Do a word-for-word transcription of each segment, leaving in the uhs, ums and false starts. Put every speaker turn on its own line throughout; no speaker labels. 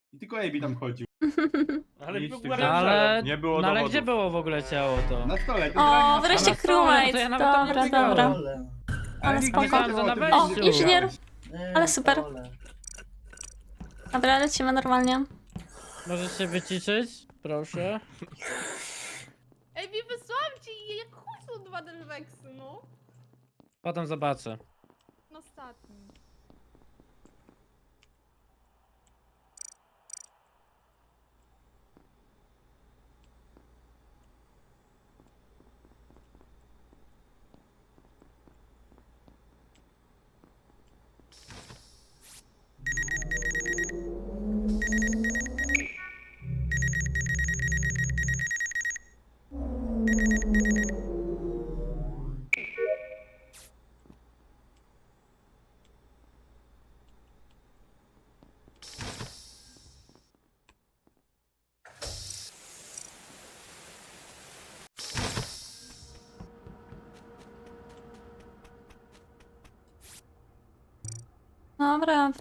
I tylko Ejbi tam chodził.
Ale
Nic
był
tych
ale...
rzeczy.
Ale,
Nie było
no ale
dowodów.
gdzie było w ogóle ciało to?
Na stole. to
O,
generalnie
wreszcie
na stole.
crewmate.
crewmate.
To ja nawet tam
Dobra,
nie
dobra.
biegałem.
Ale
Ale
nikt
spoko.
nie wiedział
Myślałem, że
tym,
na
że
O,
wejściu.
inżynier.
Nie,
Ale super.
dole.
Dobra, lecimy normalnie.
Możesz się wyciszyć? Proszę.
Ej, mi wysłałam ci, jak chuj są dwa Delvexy, no.
Potem zobaczę.
No ostatni.
Dobra.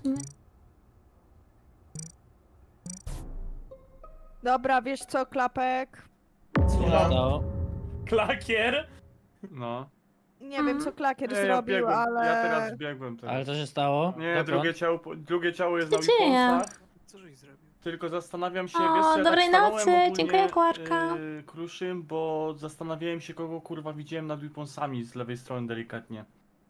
Dobra, wiesz co, Klapek?
Co się
Ja.
stało?
Klakier?
No.
Nie wiem, co Klakier
Nie, ja
zrobił,
biegłem,
ale...
ja teraz biegłem teraz.
Ale co się stało?
Nie,
Dokąd?
drugie ciało, drugie ciało jest
Co
na
się dzieje?
Weaponsach.
Co żeś zrobił?
Tylko zastanawiam się,
O,
wiesz, co ja
dobrej
tak stanąłem
nocy,
ogólnie,
dziękuję, Kłarka.
Yy, Kruszym, bo zastanawiałem się, kogo kurwa widziałem nad Weaponsami z lewej strony delikatnie.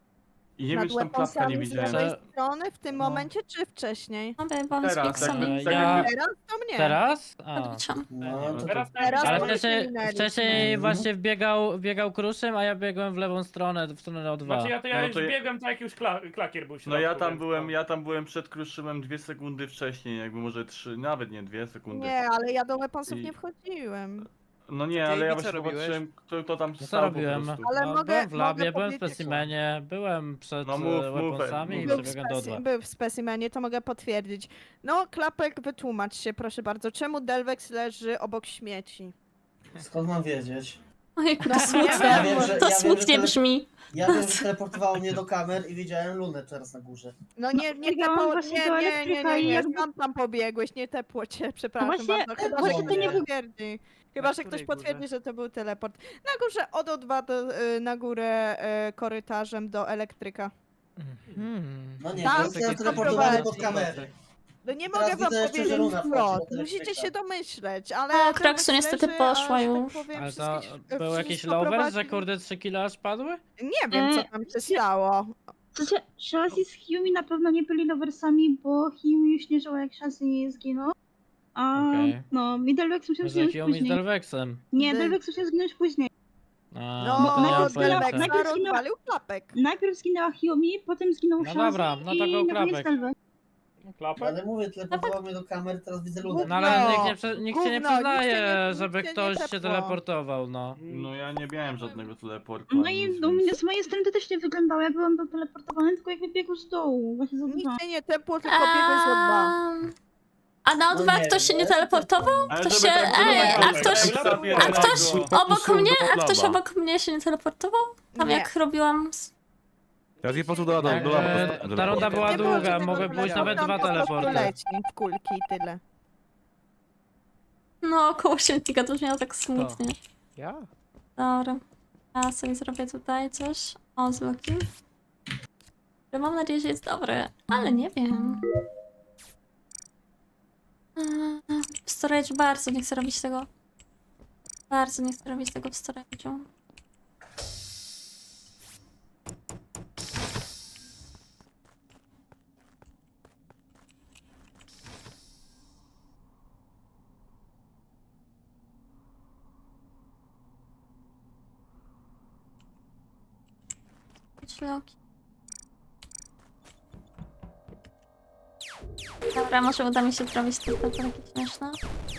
I nie
Nad
wiem, czy tam klapka nie
weaponsami z
widziałem.
lewej strony w tym
No.
momencie, czy wcześniej?
Dobra, bo
Teraz,
z
jakby-
Pixami.
tak
Ja-
jakby-
Teraz to mnie.
Teraz? A.
Odliczam.
No, to,
Teraz
to,
Teraz
Ale
to
wcześniej,
minęliśmy.
wcześniej właśnie wbiegał, biegał Kruszym, a ja biegłem w lewą stronę, w stronę O dwa.
Znaczy ja to ja
No
już
to ja-
biegłem tak jak już kla klakier był w
No ja
środku,
tam
więc
byłem,
no.
ja tam byłem przed Kruszymem dwie sekundy wcześniej, jakby może trzy, nawet nie dwie sekundy.
Nie, ale ja do weaponsów
I-
nie wchodziłem.
No nie,
Ty,
ale ja
Ejbi, co
właśnie
robiłeś?
zobaczyłem, kto, kto tam
No co
stał po
robiłem?
prostu.
Ale
no,
mogę-
byłem w labie,
mogę
byłem w
powiedzieć-
specimenie, byłem przed
No
no,
mów, mów,
weaponsami
mów.
i
Był w,
przebiegłem do O dwa.
speci- był w specimenie, to mogę potwierdzić. No, Klapek, wytłumacz się, proszę bardzo. Czemu Delvex leży obok śmieci?
skąd mam wiedzieć?
Ojejku,
No,
to
ja
smutne.
wiem, że-
To
ja wiem,
smutnie
że-
brzmi.
Ja wiem, że teleportowało mnie do kamer i widziałem Lunę teraz na górze.
No nie, nie
biegałam
tepło,
właśnie
nie,
do
nie, nie,
elektryka
nie,
i
nie,
jakby-
skąd tam pobiegłeś, nie tepło cię, przepraszam
właśnie-
bardzo, chyba, że
właśnie
ktoś
to nie
nie potwierdzi. Chyba,
Na
że ktoś
której górze?
potwierdzi, że to był teleport. Na górze od O dwa do, y, na górę y, korytarzem do elektryka.
Hmm.
No nie,
Tam
bo jestem
się
teleportowany
prowadzi.
pod kamery.
No nie
Teraz
mogę wam
widzę jeszcze, że
powiedzieć
Luna wchodzi
wprost,
do
musicie
elektryka.
się domyśleć, ale...
O,
Delvex
Kraksu niestety
leży,
poszła
aż,
już.
Tak powiem,
Ale to
wszystkich-
był jakiś
wszystko
lover, że
prowadzi-
kurde trzy kile aż padły?
Nie wiem, co
E,
tam się stało.
W sensie, Shazzy z Hyumi na pewno nie byli loversami, bo Hyumi już nie żyła jak Shazzy zginął. A
Okej.
no, mi Delvex musiał
Może
zginąć
Hiomi z
później.
Delvexem.
Nie,
Del-
Delvex musiał zginąć później.
A,
No,
no to nie mam
najpierw zginęła-
pojęcia.
najpierw
Delvexa
zginęła-
rozwalił Klapek.
Najpierw zginęła Hyumi, potem zginął
No
Shazzy
dobra, no to
i
go
na koniec
Klapek.
Delvex.
Klapek?
Ale mówię, teleportowało mnie do kamer, teraz widzę Lunę.
No ale
Gówno,
nikt, nie, prze- nikt się nie
gówno, nikt się
przyznaje,
nie-
żeby
nikt się
ktoś
nie
się
tepło.
teleportował, no.
No ja nie miałem żadnego teleportu.
No
ani
i
nic,
u mnie,
więc-
z mojej strony to też nie wyglądało, jakby on był teleportowany, tylko jakby biegł z dołu, właśnie z O dwa.
Nikt się nie tepło, tylko biegłeś O dwa.
Ehm, A na O dwa
No nie,
ktoś się nie
ale-
teleportował?
Ale
To
żeby
się-
tak było,
ej,
tak
a
było,
ktoś-
tak sobie
a ktoś
jednego-
obok mnie? A ktoś obok mnie się nie teleportował? Tam
Nie.
jak robiłam... z-
Ja zje po prostu do, do,
Tak,
do laba
e,
po prostu.
ta runda była
Nie było
długa,
żadnego
mogły być
teleportu,
nawet
tam
dwa
po prostu
teleporty.
leci w kulki i tyle.
No, koło śmietnika to brzmiało tak smutnie.
Ja?
Dobra. Ja sobie zrobię tutaj coś. O, z Loki. Że mam nadzieję, że jest dobre, ale nie wiem. Eee, W storage bardzo nie chcę robić tego. Bardzo nie chcę robić tego w storage'u. Chodź, Loki. Dobra, może uda mi się zrobić to takie śmieszne.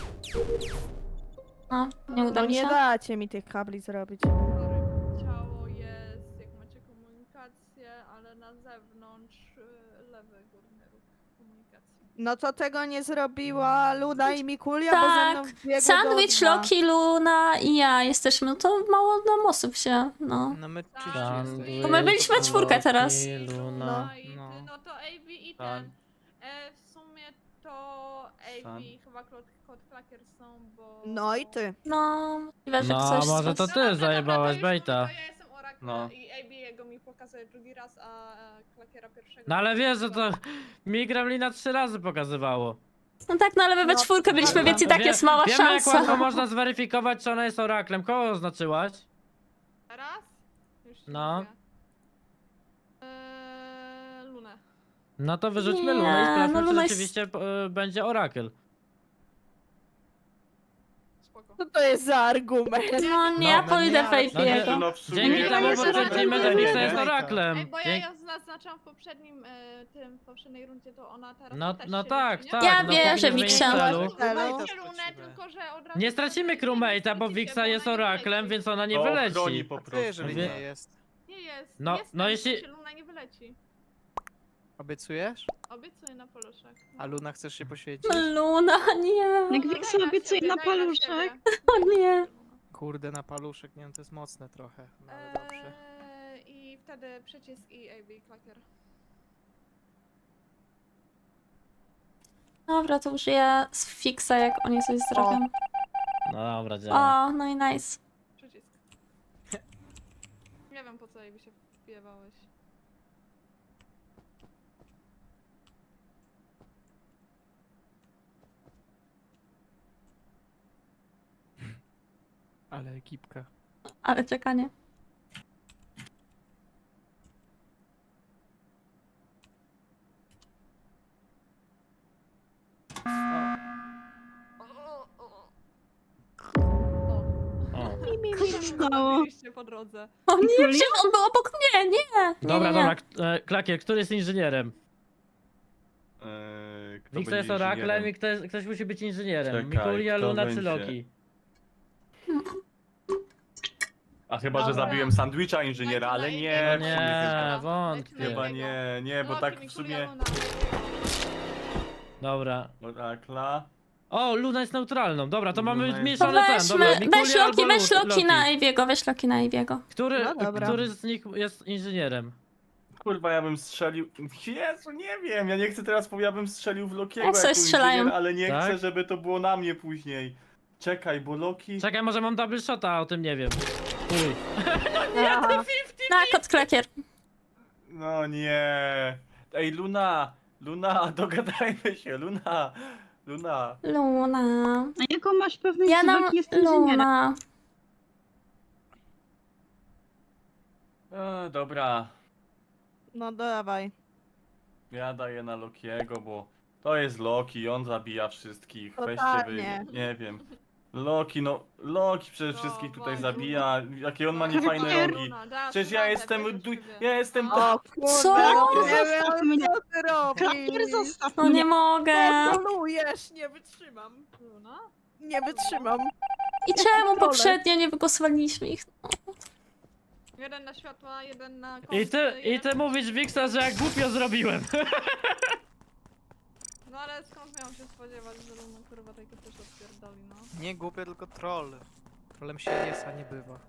No, nie uda
No
mi
nie
się.
dacie mi tych kabli zrobić.
Ciało jest, jak macie komunikację, ale na zewnątrz y, lewy górny róg komunikacji.
No to tego nie zrobiła Luna i Mikulia, bo ze
Tak,
mną biegły
Sandwich,
do O dwa.
Loki, Luna i ja jesteśmy, no to mało nam osób się, no.
No my
Tak.
czyści
Sandwich,
jesteśmy.
Bo my byliśmy czwórkę teraz.
Loki, Luna,
No i ty,
no.
no to A B i
Tak.
ten. E, w sumie to to A
Sam.
B, chyba Kod Kod Klakier są, bo...
No i ty.
No, możliwe, że
No,
ktoś z
może to
was-
ty
dobra,
zajebałaś
dobra, to już
baita.
mówię, to ja jestem Oracle
No.
i A B jego mi pokazuje drugi raz, a e, Klakiera pierwszego.
No ale wiesz, że to mi Gremlina trzy razy pokazywało.
No tak, no ale my we
No,
czwórkę byliśmy,
Dobra,
więc i
to
tak
wie-
jest mała
Wiemy jak
szansa.
łatwo można zweryfikować, czy ona jest oraklem. Kogo oznaczyłaś?
Teraz? Już ci
No.
mówię. Eee, Lunę.
No to wyrzućmy
Nie,
Lunę i sprawdźmy,
no
czy
Luna jest-
rzeczywiście y, będzie orakel.
Spoko.
Co to jest za argument?
No nie, ja
No,
pójdę
no,
Faith
no,
jego.
no w sumie...
Dzięki
Nie,
temu
jest
potwierdzimy, że
oraklem,
Wixa
nie?
jest
Ej,
oraklem.
bo ja
Dzięki-
ją zaznaczam w poprzednim, e, tym, w poprzedniej rundzie, to ona teraz
No,
też
no
się
tak,
liczy,
tak.
nie?
Ja
no,
wierzę
powinien
w
zmienić
Wixę.
celu.
Dajcie Lunę, tylko że od razu...
Nie stracimy crewmate'a, bo Wixa jest oraklem, więc ona nie
To
wyleci.
ochroni po
A co
prostu.
jeżeli
Wie-
nie jest?
Nie jest,
No-
jest
no
tam,
jeśli-
się Luna nie wyleci.
Obiecujesz?
Obiecuję na poluszek.
A Luna chcesz się poświęcić?
Luna, nie.
Jak Wiksa obiecuje na paluszek.
O nie.
Kurde, na paluszek, nie wiem, to jest mocne trochę. No ale dobrze.
Eee, I wtedy przycisk i A B Klakier.
Dobra, to użyję z fixa, jak oni coś zrobią.
No dobra, działa.
O, no i nice.
Przycisk. Nie wiem po co jej by się wpijewałeś.
Ale ekipka.
Ale czekanie.
O.
Co się stało?
Oczywiście po drodze.
O nie,
Julia?
przecież on był obok mnie, nie. nie
Dobra,
nie, nie.
dobra, k- e, Klakier, który jest inżynierem?
Eee, kto
Wixa
będzie
jest oraklem
inżynierem?
i ktoś, ktoś musi być inżynierem.
Czekaj,
Mikulia,
kto
Luna
będzie?
czy Loki?
A chyba, że
Dobra.
zabiłem sandwicha inżyniera,
Dajcie
ale
na
nie,
innego.
w sumie
nie,
chyba-
wątpię.
Dajcie na
Chyba
innego.
nie, nie, bo
Loki,
tak w
Mikulia,
sumie...
Luna.
Dobra.
Orakla...
O, Luna jest neutralną. Dobra, to
Luna
mamy
jest-
To
zmieszany ten.
weźmy,
Dobra,
weź
Mikulia
Loki,
albo
weź
Lu-
Loki na Aviego, weź Loki na Aviego.
Który,
No dobra.
który z nich jest inżynierem?
Kurwa, ja bym strzelił... Jezu, nie wiem, ja nie chcę teraz powiedzieć, ja bym strzelił w Lokiego
Jak coś
jako
strzelają.
inżynier, ale nie
Tak?
chcę, żeby to było na mnie później. Czekaj, bo Loki...
Czekaj, może mam double shota, a o tym nie wiem. Uj.
Aha.
Na kot klakier.
No nie... Ej, Luna! Luna, dogadajmy się, Luna! Luna!
Luna.
A jaką masz pewność,
Ja
że
nam
Loki jest inżynierem?
Luna.
E, dobra,
No dawaj.
ja daję na Lokiego, bo to jest Loki, on zabija wszystkich. Weźcie wy,
Totalnie.
nie wiem. Loki, no, Loki przede
No,
wszystkich tutaj
właśnie.
zabija, jakie on ma
No,
niefajne
Luna,
rogi.
dasz
Przecież ja
radę,
jestem,
wierzysz
du-
w siebie.
ja jestem
No.
to...
O kurde,
Co?
nie
Zostaw
wiem,
mnie.
co ty
Klakier,
robisz.
zostaw
No
mnie.
nie mogę.
Kontrolujesz, nie wytrzymam.
Luna?
Nie wytrzymam.
I czemu
Kontrolę.
poprzednio nie wygłosowaliśmy ich?
Jeden na światła, jeden na
I
kąty,
ty, i
jeden...
ty mówisz, Wixa, że jak głupio zrobiłem.
No ale skąd miałam się spodziewać, że Luna kurwa tego też odpierdoli, no.
Nie głupie, tylko troll. Trollem się jest, a nie bywa.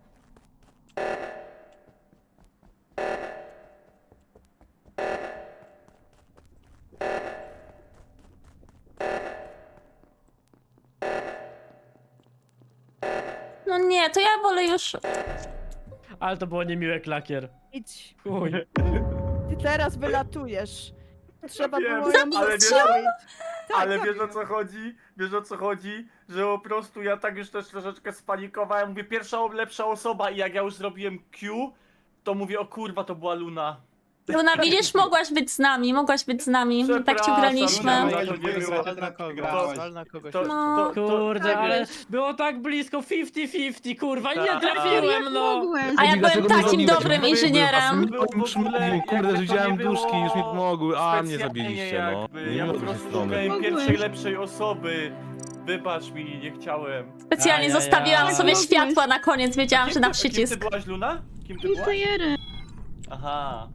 No nie, to ja wolę już...
Ale to było niemiłe, Klakier.
Idź.
Uj.
Ty teraz wylatujesz. Trzeba
Wiem,
było ją
ale wiesz-
zastrzelić. Tak,
Ale
tak.
wiesz o co chodzi? Wiesz o co chodzi? Że po prostu ja tak już też troszeczkę spanikowałem. Mówię, pierwsza o- lepsza osoba i jak ja już zrobiłem Q, to mówię, o kurwa, to była Luna.
Luna, widzisz, mogłaś być z nami, mogłaś być z nami. Tak ci
Przepraszam,
graliśmy.
Luna,
To
to nie było.
Wal na kogoś,
To-
wal na kogoś.
To,
No.
to, to,
Kurde,
tak
ale
wiesz.
było tak blisko, fifty fifty, kurwa, nie
Tak.
trafiłem,
Jak
no.
mogłeś?
A ja
Dlaczego
byłem
nie
takim
zrobiłeś?
dobrym
Mówię,
inżynierem.
Było w ogóle, jakby
Kurde,
to
widziałem
nie było
duszki, już mi pomogły, a mnie
specjalnie
zabiliście, no.
jakby.
Nie
Ja po
miło z tej
prostu
strony.
szukałem
Mogłeś.
pierwszej lepszej osoby. Wybacz mi, nie chciałem.
Specjalnie
Ajajaj.
zostawiłam sobie
Mogłeś.
światła na koniec, wiedziałam,
Kim
że na
ty- Kim ty
przycisk.
byłaś, Luna? Kim ty byłaś?
Inżyniery.
Aha.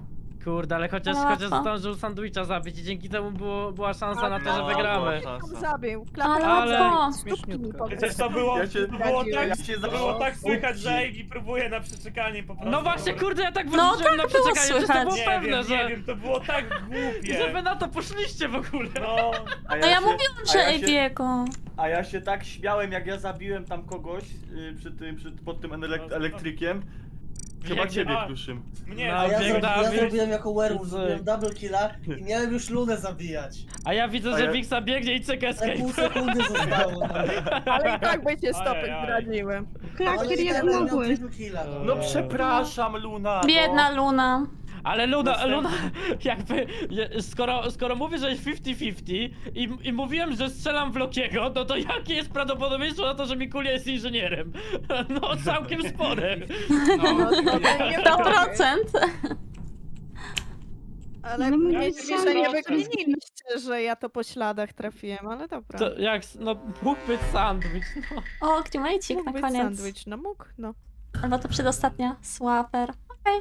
Kurde, ale chociaż,
Łatwo.
chociaż zdążył sandwicha zabić i dzięki temu było, była szansa na to, że
No,
wygramy.
była
Tam
szansa.
zabił. Klapek
Ale
Ale-
łatwo.
stópki mi
Śmieszniutko.
podał.
Przecież to było,
Ja cię-
to było tak,
ja cię
to było
za-
tak słychać, że Ejbi próbuje na przeczekanie po prostu.
No właśnie, kurde, ja tak
No,
wyrzuciłem na
tak było
przeczekanie, przecież to było
Nie
pewne,
wiem,
że...
nie wiem, to było tak głupie.
Że wy na to poszliście w ogóle.
No,
A
No ja
się-
mówiłam,
a
że
ja się-
Ejbiego.
A ja się tak śmiałem, jak ja zabiłem tam kogoś y, przy tym, przy, pod tym elek elektrykiem. Chyba
Biegnie-
ciebie,
a.
Kruszym.
mnie
No,
A ja,
bieg
zrobi, ja
Dawid.
zrobiłem jako werewolf,
Cyk.
zrobiłem double killa i miałem już Lunę zabijać.
A ja widzę,
A
że
ja-
Wixa biegnie i czeka
Ale pół
escape.
sekundy zostało. No.
Ale i tak będzie stopek
Ajaj.
zdradziłem.
Ale
Klakier,
i
jak
tak miał
mogłeś?
triple killa. No.
No przepraszam, Luna. no.
Biedna Luna.
Ale Luna,
Następny.
Luna, jakby, je- skoro, skoro mówię, że jest fifty fifty i, i mówiłem, że strzelam w Lokiego, no to jakie jest prawdopodobieństwo na to, że Mikulia jest inżynierem? No całkiem spore.
No, to nie
sto procent.
Ale
No,
mnie
ja
dziwi,
nie
że nie
wiem.
wykliniliście, że ja to po śladach trafiłem, ale dobra.
To jak, no mógł być sandwich, no.
O, Klimajcik
Mógł
na
być
koniec.
sandwich, no mógł, no.
Albo to przedostatnia. Swaper. Okej.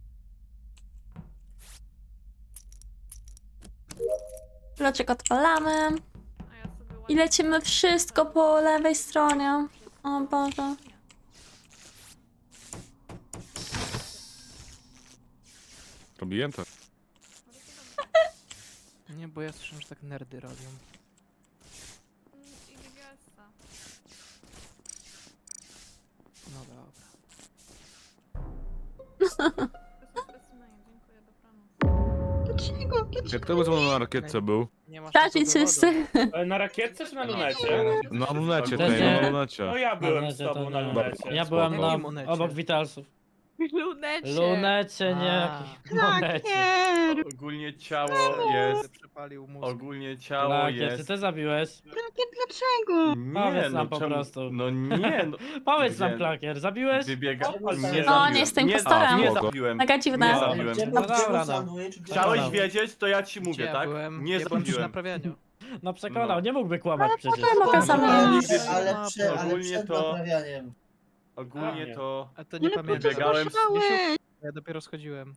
Bloczek odpalamy.
A ja sobie
I lecimy wszystko po lewej stronie. O Boże.
Robiłem to.
Nie, bo ja słyszę, że tak nerdy robią.
I D G S-a.
No dobra.
Specimenie, dziękuję, dobranoc.
Dlaczego? Dlaczego?
Jak to był ze mną na rakietce był?
Nie masz
Traci
na to dowodu.
wszyscy.
E, na rakietce czy na lunecie?
Na lunecie,
Też
tej,
nie.
na lunecie.
No ja byłem
Na
z
razie
tobą
to
na
nie.
lunecie.
Ja byłem na,
Jakim monecie?
obok Witalsów.
Lunecie.
Lunecie, nie
A.
jakich monecie.
Klakier!
Ogólnie ciało jest.
Przepalił mózg.
Ogólnie ciało
Lakier, ty
jest.
też zabiłeś?
Klakier, dlaczego?
Nie,
Powiedz
no
nam po
czemu-
prostu.
No nie, no.
Powiedz nam,
Gdzie?
Klakier, zabiłeś?
Wybiega.
O,
Nie
nie.
zabiłem.
O, nie jestem
Nie,
impostorem.
nie
Spoko.
zabiłem.
Mega
Nie
dziwne.
zabiłem.
Gdzie
No
był,
dobra,
gdzie był
no.
sandwich? Gdzie
Chciałeś
był?
wiedzieć, to ja ci
Gdzie
mówię,
ja
tak?
byłem?
Nie
ja byłem przy
zabiłem.
naprawianiu.
No przekonał,
No.
nie mógłby kłamać przecież.
potem mogę sam
Ale,
wiedzieć.
ale, prze, ale
Ogólnie
przed
to-
naprawianiem.
Ogólnie
A.
to.
A to nie
Ale po co
pamiętam.
Biegałem z-
zgłaszałeś?
Ja dopiero schodziłem.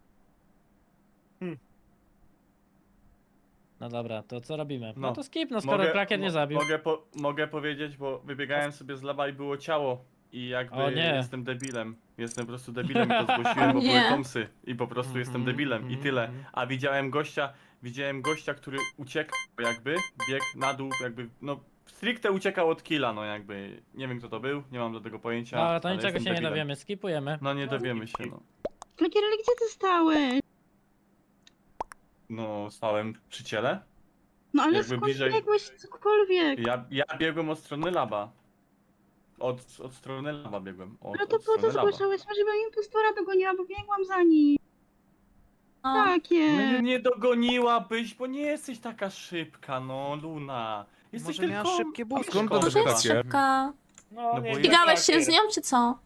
No dobra, to co robimy? No,
No.
to skip, no skoro Klakier nie
mo-
zabił.
Mogę, po, mogę powiedzieć, bo wybiegałem sobie z lawa i było ciało. I jakby
O nie.
jestem debilem. Jestem po prostu debilem i to zgłosiłem, bo
Nie.
były komsy. I po prostu jestem
Mhm,
debilem i tyle.
mhm.
A widziałem gościa, widziałem gościa, który uciekł jakby, biegł na dół, jakby, no stricte uciekał od killa, no jakby. Nie wiem kto to był, nie mam do tego pojęcia.
No, ale to niczego
jestem
się nie
debilem.
dowiemy, skipujemy.
No nie dowiemy się, no.
Klakier, ale gdzie ty stałeś?
No, stałem przy ciele.
No ale
Jakby
skąd
bliżej-
biegłeś cokolwiek?
Ja, ja biegłem od strony laba. Od, od strony laba biegłem. Od,
No to
od
po co
strony laba.
zgłaszałeś? Może bym impostora dogoniła, bo biegłam za nim.
O,
No nie,
Klakier!
nie dogoniłabyś, bo nie jesteś taka szybka, no Luna. Jesteś
Może miała
tylko...
szybkie buty.
skąd to
Szkoda.
może jest
Klakier?
szybka.
No,
No
nie
bo
wiem,
Biegałeś się
Klakier.
z nią, czy co?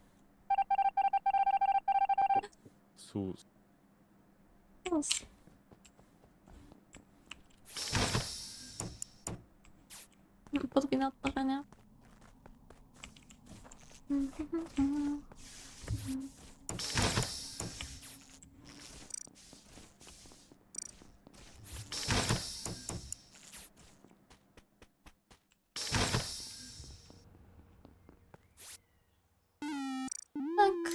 Sus.
Plus. Podwójne otworzenie. Tak.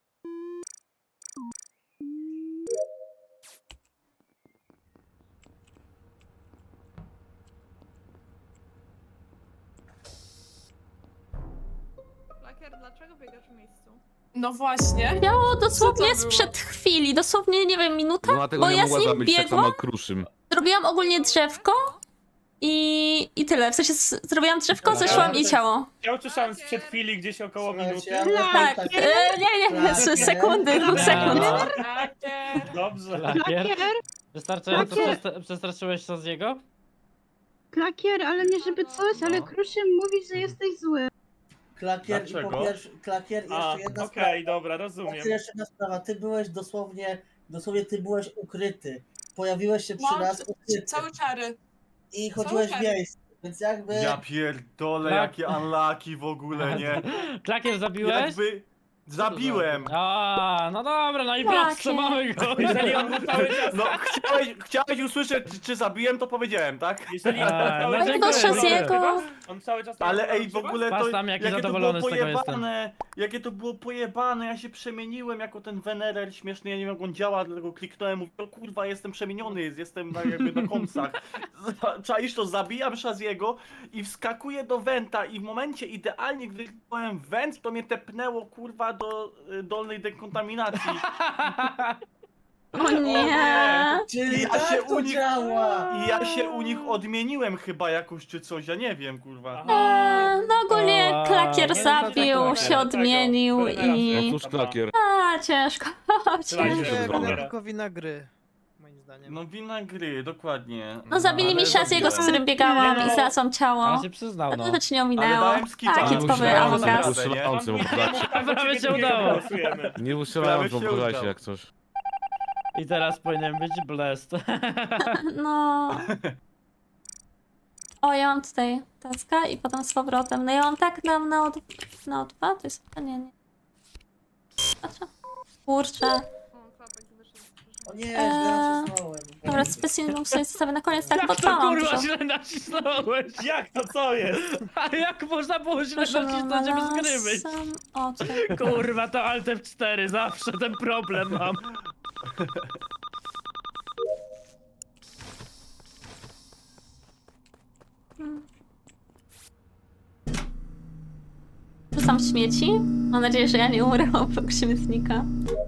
Lakier, dlaczego biegasz w miejscu?
No właśnie.
Miało dosłownie
to było?
sprzed chwili, dosłownie, nie wiem, minutę,
No dlatego
bo
nie
ja z
mogła
nim
zabić tak
biegłam,
samo jak Kruszym.
zrobiłam ogólnie drzewko i, i tyle. W sensie z- zrobiłam drzewko,
Dobra.
zeszłam i ciało.
Ja usłyszałem sprzed chwili gdzieś około minuty.
Słuchajcie, ja
Tak,
tak.
e, nie, nie, z sekundy, dwóch sekund.
Klakier.
Dobrze.
Klakier?
Klakier?
Wystarczająco
Klakier.
przesta- przestraszyłeś się z jego?
Klakier, ale nie żeby coś, ale
No.
Kruszym mówi, że jesteś zły.
Klakier i po
Dlaczego?
pierwsze, klakier i
A,
jeszcze
okej,
jedna sprawa.
dobra,
Klakier,
rozumiem.
jeszcze jedna sprawa. Ty byłeś dosłownie, dosłownie ty byłeś ukryty. Pojawiłeś się przy
No,
nas ukryty.
Cały czary.
I chodziłeś w
cały-
miejscu. Więc jakby...
Ja pierdolę,
Tak.
jakie unlucky w ogóle, nie?
Klakier zabiłeś?
Jakby... Zabiłem.
A, no dobra, no i
Jakie?
prosto mamy go.
Jeżeli on był cały czas...
No, chciałeś, chciałeś usłyszeć, czy, czy zabiłem, to powiedziałem, tak?
Jeżeli
A,
on
no
cały czas...
dziękuję,
Shazzy'ego.
On cały czas...
Ale ej, w ogóle to,
Pas tam, jaki
jakie to było
zadowolony z tego jestem.
pojebane, jakie to było pojebane, ja się przemieniłem jako ten Venerer śmieszny, ja nie wiem jak on działa, dlatego kliknąłem, mówię, o kurwa, jestem przemieniony, jestem na, jakby na kąsach. Czaisz to, zabijam Shazzy'ego i wskakuję do Venta i w momencie idealnie, gdy kliknąłem Vent, to mnie tepnęło kurwa do y, dolnej dekontaminacji.
O nie.
Czyli
Ja
tak
się
to
u nich-
działa!
I ja się u nich odmieniłem chyba jakoś czy coś, ja nie wiem kurwa.
Eee, no ogólnie
O,
klakier
nie, no to
zabił,
tak,
się
tak,
odmienił
tak,
i...
Otóż klakier.
A, ciężko, ciężko.
Słuchajcie,
Nie,
dobra.
wina tylko wina gry. Moim zdaniem.
No wina gry, dokładnie.
No zabili
ale
mi Shazzy'ego, z
zabiłem.
którym biegałam
Nie, no.
i znalazłam ciało.
Ale się przyznał, no.
To rzecz nie
Ale
ominęło.
dałem skipa.
A,
Nie
kitkowy
musiałem,
Among
nie
Us.
musiałem. Ustrzelający mógł dać.
Prawie się udało.
Głosujemy.
Nie ustrzelałem,
Prawie
bo
się
pokazać
udało.
jak coś.
I teraz powinien być blessed.
No. O, ja mam tutaj taska i potem z powrotem. No ja mam tak na, na, od, na O dwa, to jest... A nie, nie. Patrzę. Kurczę.
O, klapek wyszedł.
O nie,
Eee,
źle nacisnąłem.
Dobra, specjalną sobie zostawię na koniec, tak, bo
Jak to
dwa mam
kurwa
dużo.
źle nacisnąłeś?
Jak to, co jest?
A jak można było źle
Proszę,
nacisnąć, żeby z gry być?
sam- O, tutaj.
Kurwa, to Alt F cztery, zawsze ten problem mam.
Rzucam śmieci. Mam nadzieję, że ja nie umrę obok śmietnika.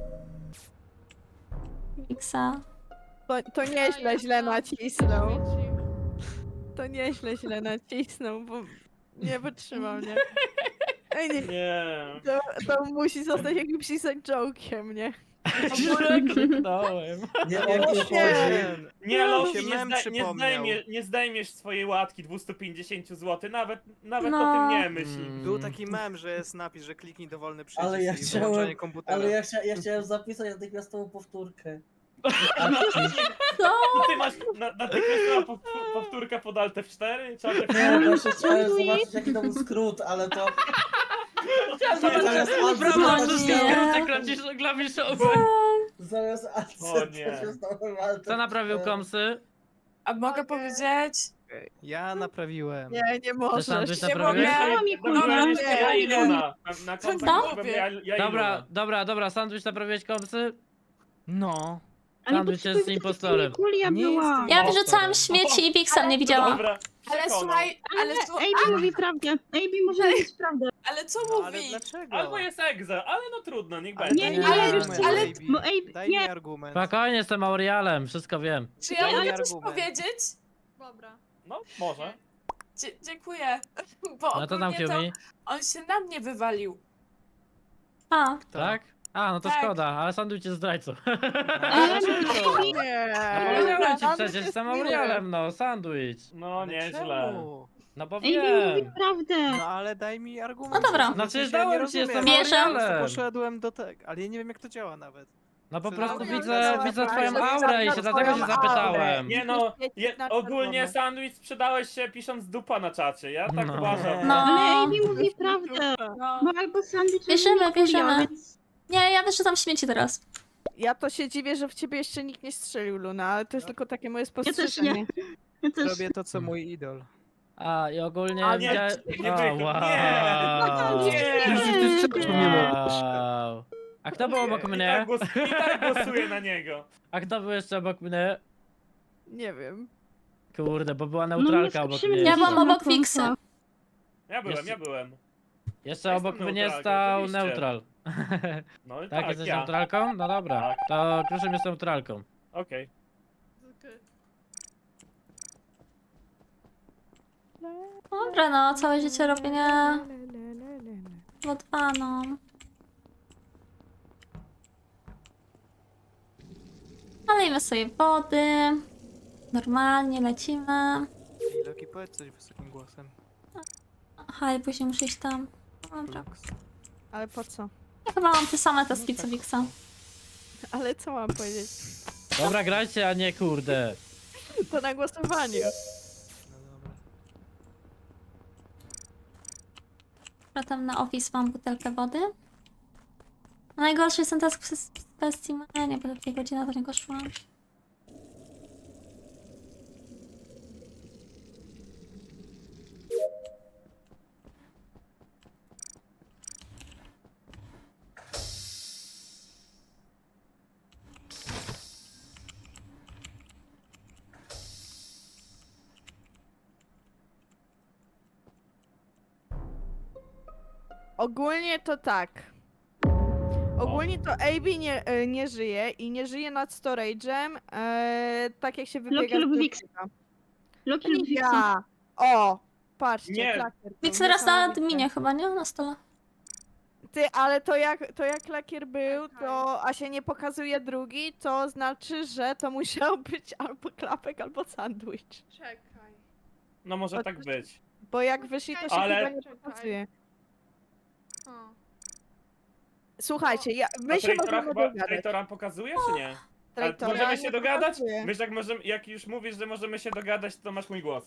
Miksa.
To, to nieźle źle nacisnął. To nieźle źle nacisnął, bo nie wytrzymał, nie? Ej, nie,
Nie.
to, to musi zostać jakimś inside joke'iem, nie?
Źle kliknąłem.
Nie o to chodzi.
Nie,
No,
Loki,
się
nie,
mem
zda, nie,
przypomniał.
zdejmie, nie zdejmiesz swojej łatki dwieście pięćdziesiąt złotych, nawet, nawet
No.
o tym nie myśl.
Mm.
Był taki mem, że jest napis, że kliknij dowolny przycisk
Ale ja
i
chciałem-
wyłączenie komputera.
Ale ja, chcia, ja chciałem zapisać natychmiastową powtórkę.
Ty masz na, natychmiast po, powtórka pod Alt F cztery? Czy Alt F
Nie, właśnie chciałem zobaczyć jaki to był skrót, ale to... Zamiast alt
Brawo,
nie.
wszystkie skróty klawisz- klawiszowe.
Zamiast
O nie.
alt
Kto naprawił komsy?
A mogę powiedzieć?
Ja naprawiłem.
Nie, nie
Też
możesz.
sandwich
Nie
naprawiłeś?
mogę.
mi
Dobra,
kurwa.
jeszcze ja i Luna. Na, na końcu
Co?
powiem ja, ja i
Dobra,
Luna.
dobra, dobra, sandwich naprawiłeś komsy?
No.
Ale
Sandwich
potrzebuję
jest impostorem.
Kulia
Nie
była.
jestem
Ja
impostorem.
wyrzucałam śmieci i Wiksa mnie widziała.
Dobra,
Ale
przekonał.
słuchaj, ale,
Ale
słu-
A B mówi prawdę. A B może mówić prawdę.
ale co
No, ale
mówi?
dlaczego?
Albo jest egza, ale no trudno, niech
Ale
będzie.
Nie,
daj
nie,
mi
ale-
argument,
ale-
A B.
bo A B
Daj
nie.
mi argument.
Spokojnie, jestem Aurialem, wszystko wiem.
Czy ja
Daj mi
mogę coś
argument.
powiedzieć?
Dobra.
No, może.
Dzie- dziękuję. Bo
No to tam
ogólnie to
Kiumi.
on się na mnie wywalił.
A,
Tak? A, no to
Tak.
szkoda, ale sandwich jest zdrajcą.
A dlaczego?
Nie.
No powiedziałem ci
Sandwich
przecież,
jest
jestem
miły.
Aurialem, no, sandwich.
No,
Ale
nieźle.
czemu?
No bo
A B mówi
wiem.
prawdę.
No ale daj mi argument.
No dobra.
W sensie
No przecież
ja nie
dałem ci,
rozumiem.
jestem
Bierze.
Po prostu
Aurialem.
poszedłem do tego, ale ja nie wiem jak to działa nawet.
No po
Co
prostu
za-
widzę,
Dobra,
widzę
dobra,
twoją
dobra,
aurę i się
dobra,
dlatego się
twoją
zapytałem.
aurę.
Nie no,
Świeci
je,
na
ogólnie
czerwono.
sandwich sprzedałeś się pisząc dupa na czacie, ja tak
No.
uważam.
No.
Ale A B mówi prawdę.
No.
Bo albo sandwich
Bierzemy,
albo kulia,
bierzemy.
więc-
nie, ja wyrzucam śmieci teraz.
Ja to się dziwię, że w ciebie jeszcze nikt nie strzelił, Luna, ale to jest tylko takie moje
Ja też
spostrzeżenie.
nie. Ja też.
Robię to co mój idol.
A i ogólnie
A nie,
widziałem...
nie
O,
wygra-
wow.
Nie.
Wow. A kto był obok
I
mnie?
tak, głos, I tak głosuję na niego.
A kto był jeszcze obok mnie?
Nie wiem.
Kurde, bo była
No,
neutralka
nie
obok
słyszymy
mnie.
Ja
nic
byłam
na
obok Wiksy.
końcu.
Ja byłem,
Jeszcze-
ja byłem.
Jeszcze
Ja
obok
jestem
mnie
neutralką,
stał
oczywiście.
neutral.
No i
Tak,
tak,
jesteś
ja.
neutralką? No dobra.
Tak.
To Kruszym jest neutralką.
Okej.
Okej.
Dobra, no, całe życie robienia O dwa, no. Nalejmy sobie wody. Normalnie lecimy.
Ej, Loki, powiedz coś wysokim głosem.
Aha, i później muszę iść tam. Dobra.
Lux.
Ale po co?
Ja chyba mam te same taski co Wiksa.
Ale co mam powiedzieć?
Dobra, grajcie, a nie kurde.
To na głosowanie.
No dobra.
Dobra, tam na office mam butelkę wody. Najgorszy jest ten task przez specimenie, bo takiej godziny do niego szłam.
Ogólnie to tak. Ogólnie to A B nie, e, nie żyje i nie żyje nad storage'em, e, tak jak się wybiega
Loki
z
lub
Lokiego.
Wix. Loki
To
lub
nie
Wixon.
ja! O! Patrzcie,
Nie.
klakier. był,
Wix teraz na
niesamowite.
adminie chyba, nie? Na stole.
Ty, ale to jak, to jak lakier był, to, a się nie pokazuje drugi, to znaczy, że to musiał być albo klapek, albo sandwich.
Czekaj.
No może
O,
tak
coś-
być.
Bo jak wyszli, to się
Ale-
chyba nie
Czekaj.
pokazuje.
O.
Słuchajcie, ja, my
A
się
traitora
możemy
chyba,
dogadać.
traitora pokazuje, czy nie? Ale
Traitora
możemy
nie
się dogadać?
pokazuje.
Wiesz, jak, możemy, jak już mówisz, że możemy się dogadać, to masz mój głos.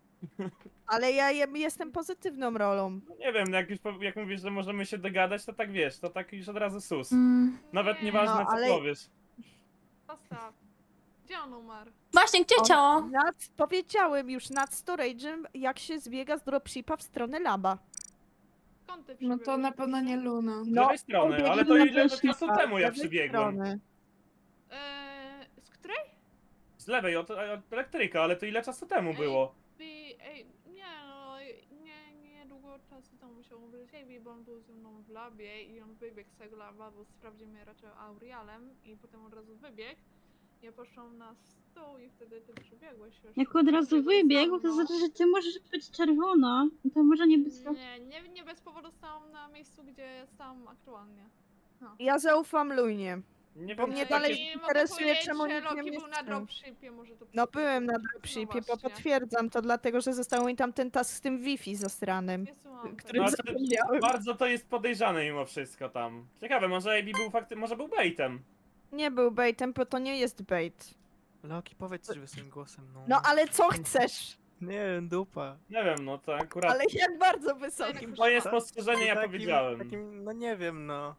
Ale ja jem- jestem pozytywną rolą.
No nie wiem, jak już po- jak mówisz, że możemy się dogadać, to tak wiesz, to tak już od razu sus.
Mm.
Nawet
Nie.
nieważne
No,
co
ale-
powiesz.
Postaw. Gdzie on umarł?
Właśnie, gdzie
On-
ciało?
Nad, powiedziałem już nad storage'em, jak się zbiega z dropshipa w stronę laba.
Skąd ty
No to
przybyłeś?
na pewno nie Luna.
Z
No,
lewej strony,
pobiegł
ale to
na
ile
dropshipa,
czasu temu ja
z lewej
przybiegłem?
strony.
Eee, z której?
Z lewej, od, od elektryka, ale to ile czasu temu było?
By, ej, nie no, nie, nie długo czasu temu musiał umrzeć Amy, bo on był ze mną w labie i on wybiegł z tego laba, bo sprawdził mnie raczej Aurialem i potem od razu wybiegł. Ja poszłam na stół i wtedy ty przybiegłeś już.
Jak od razu
Przybiegłeś za
wybiegł, to
mną.
znaczy, że ty możesz być czerwona. To może nie być to.
Nie, nie, nie bez powodu stałam na miejscu, gdzie stałam aktualnie.
Ja zaufam Lunie.
Nie
Bo
wiem,
mnie
czy
dalej
takie-
I mogę
interesuje,
powiedzieć,
czemu
że
nikt nie
Loki
mnie
był na
strzelił.
dropshipie, może to
No
przez-
byłem na
No
dropshipie, bo
właśnie.
potwierdzam to dlatego, że został mi tam ten task z tym Wi-Fi zasranym.
Nie słucham
Który
No,
tego.
ale to
zapomniałem.
bardzo to jest podejrzane mimo wszystko tam. Ciekawe, może A B był fakty, może był baitem.
Nie był baitem, bo to nie jest bait.
Loki, powiedz coś swoim głosem, no.
No ale co chcesz?
Nie wiem, dupa.
Nie wiem, no to akurat
Ale jak bardzo wysokim.
moje spostrzeżenie ja
Takim-
powiedziałem.
Takim, no nie wiem, no.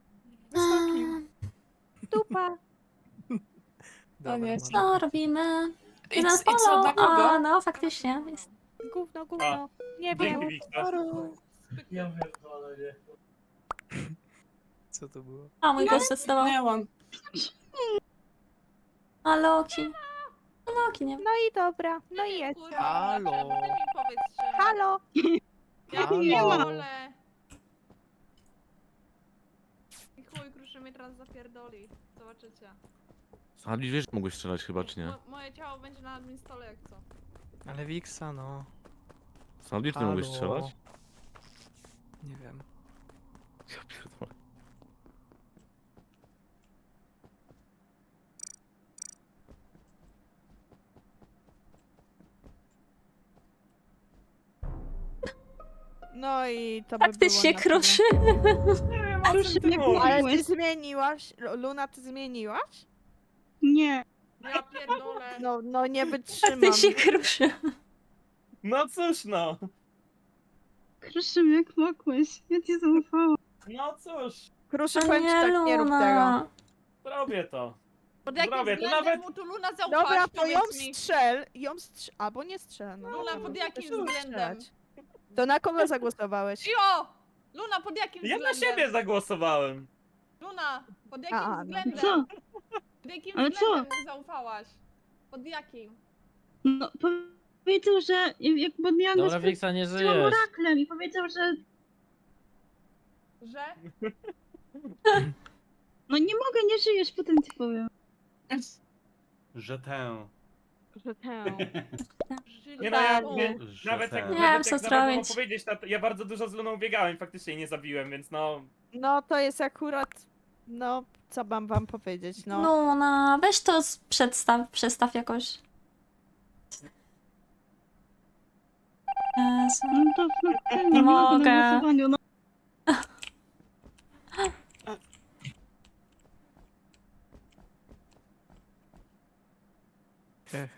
Dupa.
Dobra,
nie,
może.
Co robimy?
I,
Jeden
i co,
follow.
dla
A,
kogo?
no faktycznie. Jest.
Gówno, gówno. Nie wiem.
Dzięki, Wiktor.
Ja pierdolę, nie.
Co to było?
A, mój głos zdecydował.
Miałam.
A Loki. A Loki, nie wiem.
No i dobra, no i jest.
Kurwa,
Halo.
Ty mi powiedz, czemu.
Halo!
Ja
Halo.
pierdolę. I chuj, kruszy mnie teraz zapierdoli. Zobaczycie.
Sandwich wiesz, mogłeś strzelać chyba, czy nie?
Mo moje ciało będzie na admin stole jak co.
Ale Wiksa, no.
Sandwich ty mogłeś
Halo.
strzelać?
Nie wiem.
Ja pierdolę.
No i to by
Faktycznie
było na tyle.
kruszy.
Nie wiem, o czym ty
jak
mówisz.
Ale ty
Mówiłeś.
zmieniłaś? Luna, ty zmieniłaś?
Nie.
Ja pierdolę.
No, no nie wytrzymam.
Faktycznie kruszy.
No cóż no.
Krzyszym, jak mogłeś? Ja ci zaufałam.
No cóż,
Kruszy,
A
powiem ci
nie,
tak, nie rób tego.
Luna.
zrobię to.
Pod jakim
Zrobię to
względem
nawet-
mu tu Luna zaufałaś,
Dobra, to ją
powiedz mi.
strzel, ją strzel, albo nie strzel. No,
Luna,
no,
pod
to
jakim
też możesz
względem?
strzelać. To na kogo zagłosowałeś?
Jo! Luna, pod jakim
Ja na
względem?
siebie zagłosowałem.
Luna, pod jakim
A, no.
względem?
Co?
Pod jakim
Ale co?
względem mu zaufałaś? Pod jakim?
No, powiedział, że jak bo miałam
Dobra,
na
Wiksa, nie
spotkaniu
żyjesz.
oraklem i powiedział, że
Że?
no nie mogę, nie żyjesz, potem ci powiem.
Że tę.
Że tę.
Nie no, ja,
Żyli-
nie,
Że
nawet jak,
tę.
Nie
nawet
wiem, co
jak nawet mam
zrobić.
powiedzieć, to ja bardzo dużo z Luną biegałem i faktycznie nie zabiłem, więc no...
No to jest akurat, no co mam wam powiedzieć, no.
Luna, weź to z- przedstaw, przestaw jakoś. Jezu.
No to no, pewnie
Nie
mogę
mogę.
na głosowaniu, no.
Ech.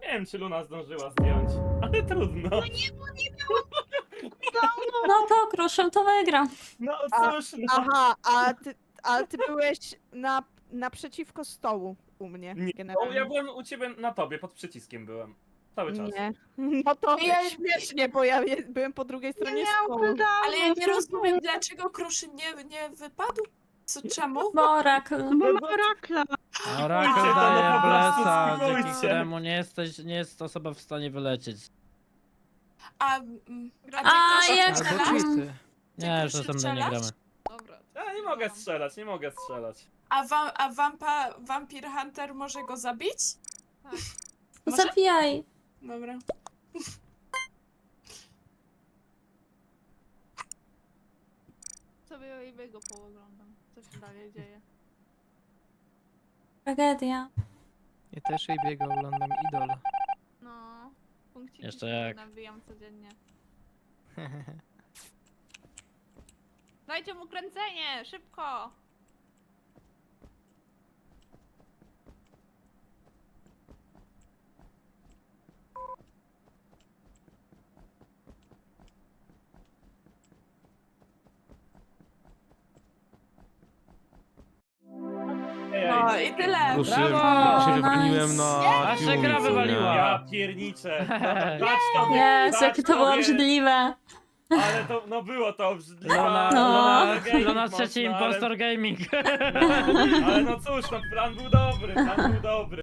wiem, czy Luna zdążyła zdjąć, ale trudno.
No nie, bo nie miało
No to Kruszym to wygra.
No
A-
cóż, no.
Aha, a ty, ale ty byłeś na, naprzeciwko stołu u mnie
Nie, no,
generalnie.
ja byłem u ciebie na tobie, pod przyciskiem byłem. Cały czas.
Nie. No to
Ja-
śmiesznie, bo ja je- byłem po drugiej
Nie
stronie
miał
stołu.
cooldownu.
Ale ja nie rozumiem, dlaczego Kruszyn nie, nie wypadł. Co, czemu?
Bo Orakl.
No bo ma orakla.
Orakel
Spróbujcie to,
daje
no po prostu
blesa,
spróbujcie.
dzięki któremu nie, jesteś, nie jest osoba w stanie wylecieć.
A, mm, a ty
A,
Kruszyn
jak-
strzelasz?
Albo cheaty.
Nie, już
Kruszyn
następnie nie
strzelasz?
gramy.
Dobra.
Ja nie mogę strzelać, nie mogę strzelać.
A, wa a wampa, Vampir Hunter może go zabić? Może?
Zabijaj.
Dobra.
Sobie Wave'ego pooglądam, co się dalej dzieje.
Tragedia.
Ja też jej biega, oglądam Idol.
No, punkciki
Jeszcze
sobie
jak.
nabijam codziennie. Dajcie mu kręcenie, szybko!
Ej,
No
ej,
i tyle.
Kruszym,
Brawo!
się wywaliłem na
Wasza
Yumi,
gra
co nie?
wywaliła.
Ja pierniczę. No, dać tobie,
Jezu,
dać
jakie to było
tobie.
obrzydliwe.
Ale to, no było to obrzydliwe.
Luna,
No.
Luna,
Gaming
Luna
mocno,
trzeci
ale-
impostor gaming.
Ale no cóż, no plan był dobry, plan był dobry.